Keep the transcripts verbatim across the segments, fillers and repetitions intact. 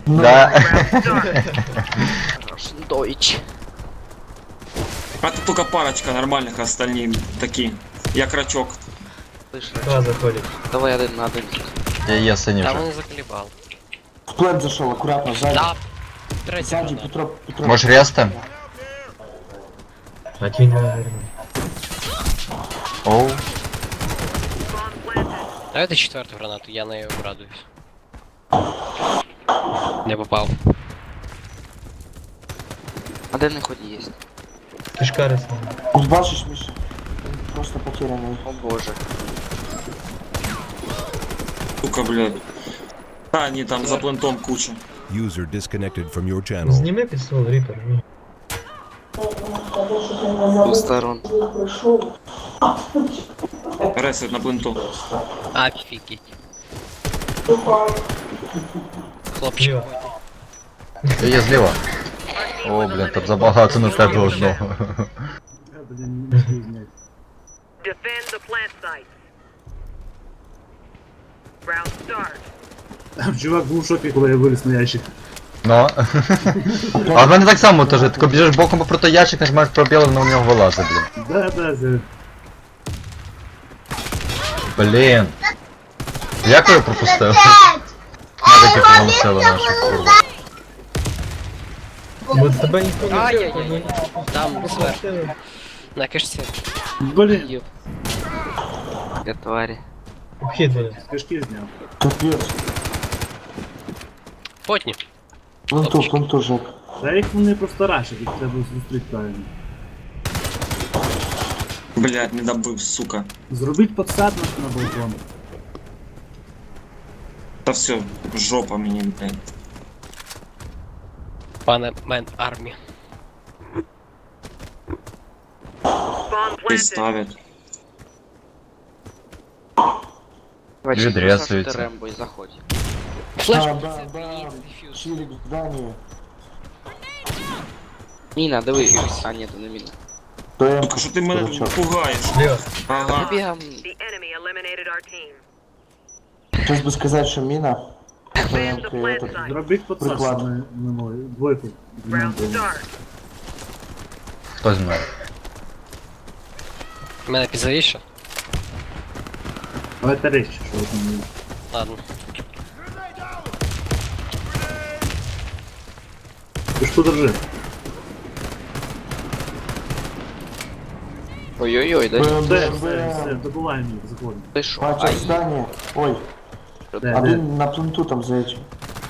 Да. Дойч. А тут только парочка нормальных, остальные такие. Я крачок. Два заходит. Давай один на один. Я є синій Там вже. он заколебал. В плент зашел, аккуратно, сзади. Да. Третий Сзади, гранат. Петро, Петро. Можеш рести? Один, наверное. Оу. Давай ты четвертую гранату, я на ее радуюсь. Не попал. Один не ході є. Кишка рисована. Вот бачишь, Миша? Просто потерянный. О боже. Сука, блядь. Да, они там за плентом куча. User disconnected from your channel. Зніми пістол, Ріпер. Ні. З двох сторон. Ресет на пленту. Офигеть. Хлопчик. Зліва. Я є зліва. О, блін, тут забагато на тебе одного. Defend the plant sites. Round start. Чувак був в шокі, коли я виліз на ящик. Ну. А в мене так само теж, ти біжиш боком проти ящик, нажимаєш пробіл, воно в нього вилазить, блін. Да, да, да. Блін. Як ви пропустили? Медики помогли нашу курву. Бо тебе ніхто не Ай-яй-яй. бив, Там сверху. На кишці. Блін, Я тварі. Обхід буде. з кишки зняв. Капец. Потні. Пленту, пленту, Жек. Та їх вони просто рашать, їх треба зустріти правильно. Блядь, не добыл, сука. Зробіть подсадку на балкон. Да все, жопа мне, блядь. Пане мен армі. Bomb И planted. ставят. Давай, Відрясується. Саша, ти Рембо і заходь. Флеш, Да, це да, да. мені дефюз. Чирик в здании. Міна, диви. А, ні, то не міна. ТМ. Сука, что ты меня Дурачок. пугаешь? Зліва. Ага. The Вибігам. enemy eliminated our team. Сейчас бы сказать, что мина. Defend the ТМ, plant этот. site. Зробіть подсадку Приклад. на, на мою. Двойку. Round start. Хто зі мною? Мене підзавіше? Але та речі, що ви там є. Ладно. Кишку держи. Ой-ой-ой, дай. БМ, Все, БМ, все, все, БМ. добуваємо їх, заходимо. Ти що? Пача в Ай, здании. Ой, Де, де? один на пленту там за этим.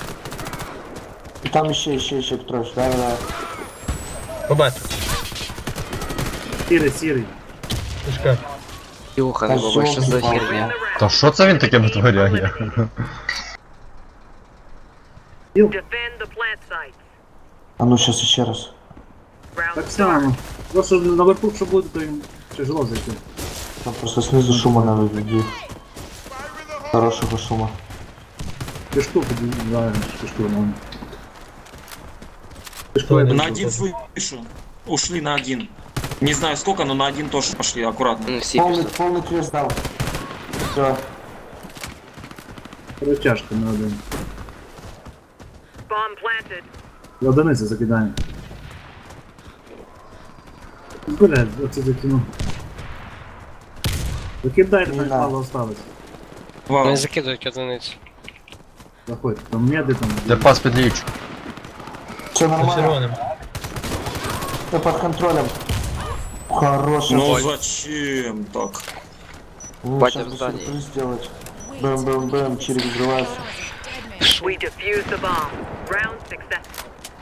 И там еще, еще, еще Петрович. Да, да, да. Побачив. Сірий, сірий. Кишка. Юха, не бабай, що за херня? Та що це він таке витворяє? Defend the plant sites. А ну сейчас еще раз. Round Так start. само. Просто наверху, що буде, то їм тяжело зайти. Там просто снизу шума надо введи. Хорошего шума. Кишку подивляємо, кишку нормально. Кишку Стой, я На бачу. один слышу. Ушли на один. Не знаю сколько, но на один тоже пошли, аккуратно. Ну, всі Полный, пішли. полный крест дал. Все. Розтяжка на один. Bomb planted. В одиниці закидаємо. Блядь, оце закинув. Закидайте, Не так надо. мало осталось. Вау. Вони закидують одиницю. Заходь, там меди там. Де пас під ліч. Все За нормально. червоним. Все под контролем. Хороший. Ну зачем так? Ну, Батя сейчас в бы здании. сюрприз сделать. Бэм, бэм, бэм, чирик взрывается. We defused the bomb. Round successful.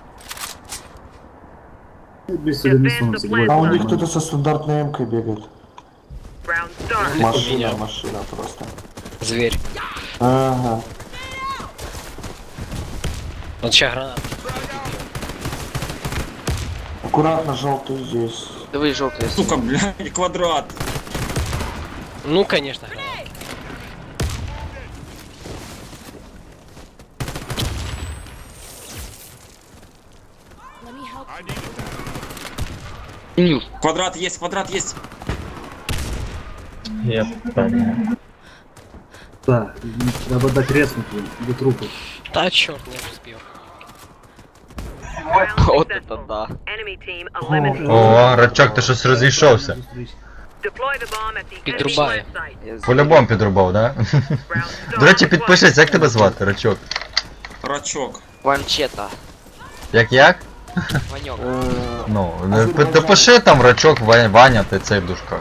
Без сюди не сунуться, двоє. А у них нормально. кто-то со стандартной эмкой бегает. Round start. Машина, машина просто. Звір. Ага. От ще гранат. Аккуратно, желтый здесь. Диви, жовтий. Сука, блядь, квадрат. Ну, конечно, гранат. Нюх. Квадрат есть, квадрат есть. Я понял. Так, треба дати резнути до трупу. Та чорт, не встиг. Вот это да. Enemy team eliminated. О, Рачок, ти щось розійшовся. Deploy the bomb at the enemy Підрубає. plant site. Я з- По-любому підрубав, да? Round До речі, start. підпишись, як тебе звати, Рачок? Рачок. Ванчета. Як як? Ванек. Е, Ну, не- пи- допиши там Рачок, Ва- Ваня, ти цей в дужках.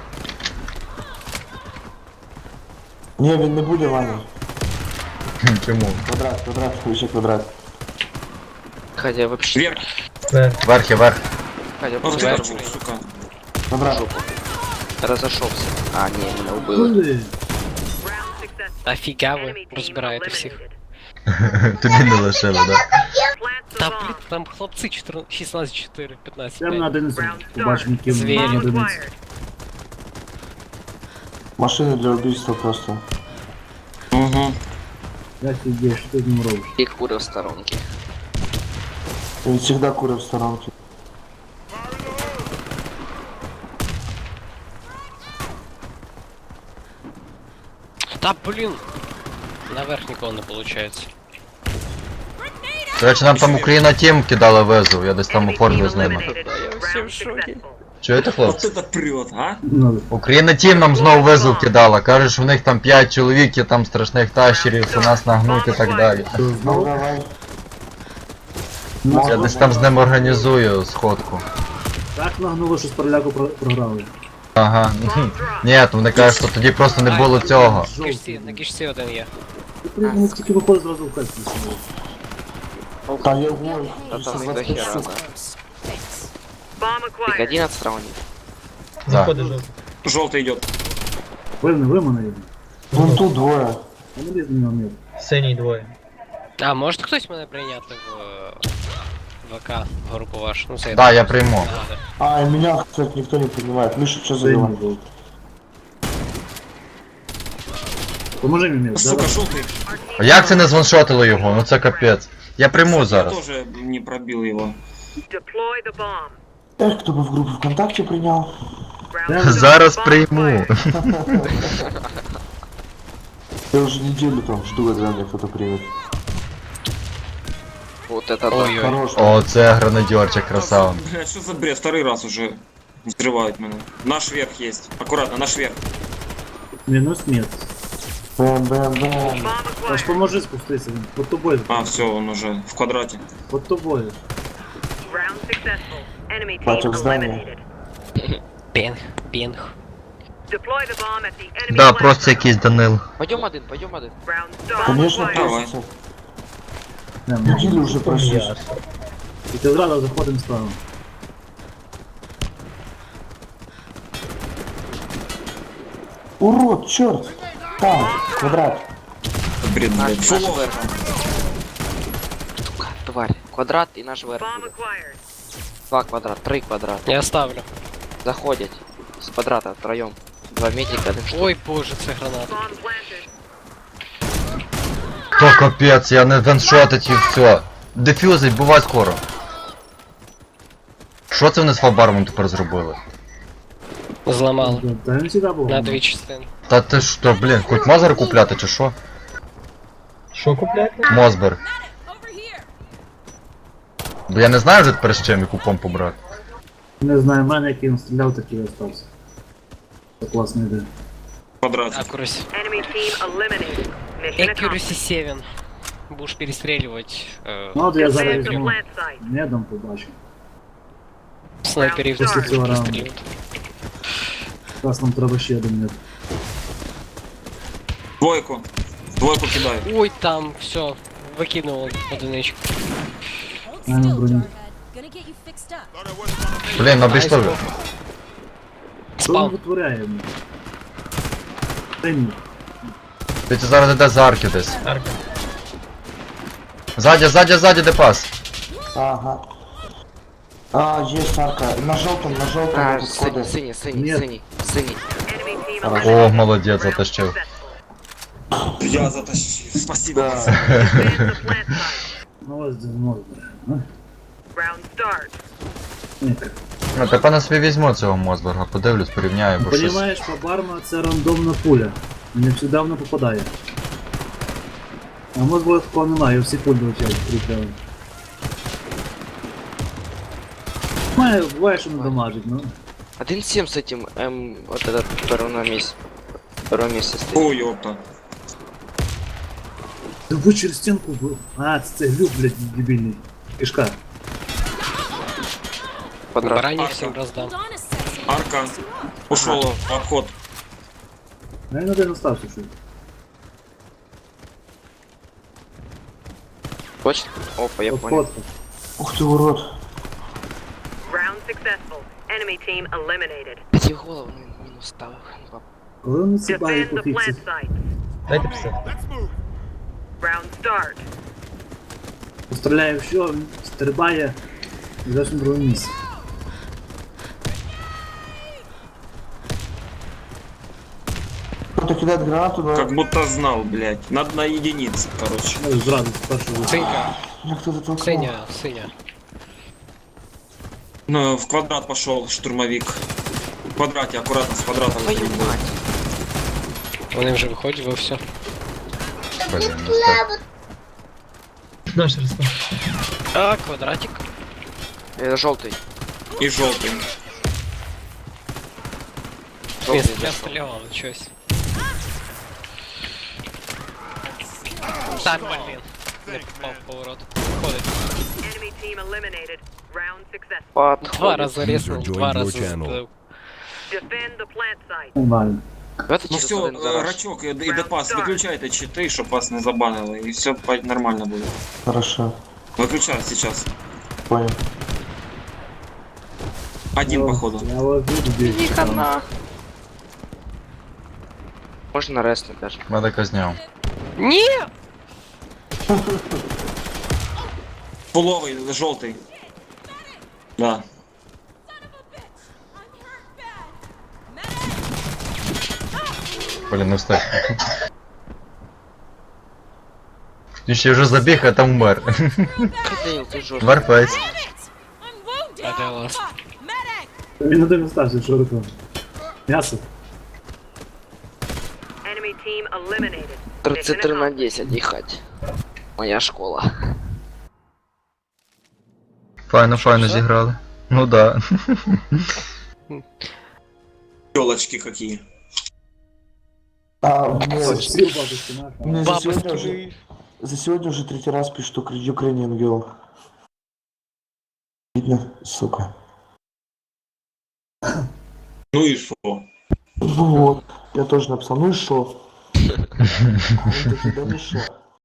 Ні, він не буде, Ваня. Хм, Чому? Квадрат, квадрат, ще квадрат. Хотя вообще. Вверх. Вверх. Верх і верх. Хотя Ох ты, просто Рачок, сука. Квадрат. разошелся. А, не, меня убыло. Коли? Round successful. Офіга ви Enemy team розбираєте всіх. eliminated. Тобі не лишили, да? Plant the Та bomb. блін, там хлопці чотирнадцять, шістнадцять чотири, п'ятнадцять Прямо на п'ять. один із Round побачимо, start. ким Звірі. на Bomb одиниці. acquired. Машини для убийства просто. Угу. Як ти йдеш, що ти з ним робиш? И куры в сторонке. Він завжди курив в сторонки. Та блін. Наверх нікого не виходить. До речі, нам там Україна Тім кидала везу, я десь там Enemy оформлю team з ними. eliminated. Round successful. Чуєте, Вот хлопці? это прет, а? Ну, Україна Тім нам знову везу кидала, каже, що в них там п'ять чоловік, і там страшних тащерів, що нас нагнуть і так далі. то Ну знову. давай. Я десь там з ним організую сходку. Так нагнуло, що з переляку про- програли. Ага. Ні, то вони кажуть, що тоді просто не було цього. На кишці, на кишці один є. Ти приймемо тільки виходить зразу в кальці. Та я гой. Да там их до хера, да. Bomb Их acquired. одиннадцать раундов. Да. Заходи жовтий. Желтый идет. Певне, ви мене йде. Вон тут двоє. Я не лізь на нього мір. Синій двоє. А, може хтось мене прийняти в е, ВК групу вашу? Ну це Да, я прийму. Надо. А, и меня, кстати, никто не принимает. Миша, что за дела? Синій був. Поможи мені, мір. Сука, Зараз. желтый. А як це не званшотило його? Ну це капець. Я прийму Я зараз. тоже не пробил его. Deploy the bomb. Эх, кто бы в группу ВКонтакте принял. Round start. Зараз Bomb прийму. acquired. Я уже неделю там жду, когда меня кто-то примет. Вот это да. Ой-ой. Хорош. О, це гранадьорчик, красава. Блядь, что за бред? Второй раз уже взрывают меня. Наш верх есть. Аккуратно, наш верх. Мінус мір. Бэм-бэм-бэм. Bomb Аж acquired. поможи спуститися, він под тобою. А, все, он уже в квадрате. Под тобою. Round successful. Enemy team Бачу в здании. eliminated. Пінг, пінг. Deploy the bomb at the enemy Да, plant просто site. якийсь Данил. Пойдем один, пойдем один. Round start. Конечно, acquired. Давай. просится. Не, Неделю уже прошлись. Ясно. І ти зразу заходимо справа. Урод, черт! Там, квадрат. Бред, Наш, блядь. наш Фулов. верх. Сука, тварь. Квадрат и наш верх. Bomb будет. acquired. Два квадрат, три квадрат. Я ставлю. Заходят. С квадрата втроем. Два медика, один штук. Ой боже, це граната. Bomb planted. То капець, я не ваншотить і все. Дефюзить, бувай скоро. Що це вони з фабармом тепер зробили? Зламали. Та він завжди був. На дві частини. Та ти що, блін, хоч мозер купляти чи що? Що купляти? Мозбер. Бо я не знаю вже тепер з чим яку помпу брати. Не знаю, в мене який він стріляв, такий і остався. Це класна ідея. В квадрате. Accuracy. Enemy team eliminated. Mission accomplished. Accuracy сім. Будеш перестрілювати е, Ну от я зараз Advance to візьму. plant site. Медом побачу. снайперів Після цього раунду. перестрілювати. Зараз нам треба ще один мед. Двойку. Двойку кидаю. Ой, там все, викинуло одиничку. Маємо броню. Блін, обійшли ви. Що він Спам. витворяє? блін? Синій. Ти це зараз йде за арки десь. Арка. Ззаді, ззаді, ззаді, де пас. Ага. А, есть арка. На желтом, на желтом А, тут синий, коды. синий, синий, Нет. синий, синий. Enemy team Хорошо. О, eliminated. молодець, Round затащив. successful. Я затащил. Спасибо. Да. Advance to plant site. Ну ось де знову бере. Ну, Round start. ні. Ну, тепер на собі візьму цього Мосберга, подивлюсь, порівняю, бо щось. Понімаєш, Фабарма це рандомна пуля. Не завжди вона попадає. А може такого немає, всі пуль долетять, прикрили. Має, буває, що не дамажить, ну. один семь с этим, эм, вот этот второй на месте. Второе место стоит. Ой, ёпта. Ти ви через стінку був. А, це, це глюк, блядь, дебільний. Кишка. Квадрат. Баранів всім роздам. Арка. Ушел обход. Ну, він один остався, що. Точно? Опа, я понял. Обходка. Ух ты, урод. Round successful. Enemy team eliminated. Пяти голову ми- мінус ставив. Коли вони ці баги Defend the пофіксять? plant sites. Дайте писати. Round start. Постріляє в що, він стрибає і десь на другому місці. Кто-то кидает гранату, да? Как будто знал, блядь. Надо на единице, короче. Ну, зразу з першого. Синька, Меня кто-то толкнул. синя, синя. Ну, в квадрат пошел штурмовик. В квадрате, аккуратно с квадрата. Твою выходит. мать. Вони вже виходять, ви все. Блін, ну так. Наш розпад. А, квадратик. Это желтый. И желтый. Желтый Я зашел. стріляв, але щось. Та, блін. Не попав в поворот. Ходить. Enemy team eliminated. Round successful. Два Подходит. рази ріснув, User два joined your рази channel. збив. Defend the plant site. Нормально. Давайте Ну через все, один гараж. Рачок и, и Депас, выключайте читы, чтобы вас не забанило, и все нормально будет. Хорошо. Выключай сейчас. Понял. Один, Ну, походу. Я вас буду бігти. Можно резнуть даже. Медика зняв. Ні! Пуловый, желтый. Да. Блін, не встиг. Він ще вже забіг, а там вмер. Кадейл, ты жестко. Вмер пець. А де ласт? Він один остався, що робив. М'ясо. Enemy team eliminated. тридцать три Mission на accomplished. десять, ехать. Моя школа. Файно, файно зіграли. Ну да. Телочки какие. А, блядь. Сів бабушки нахуй. Мне за сегодня уже, Бабушки. за сегодня уже третий раз пишут Ukrainian Girl. Видно, сука. Ну и что? Ну вот, я тоже написал, ну и шо? Он такие, да ну шо?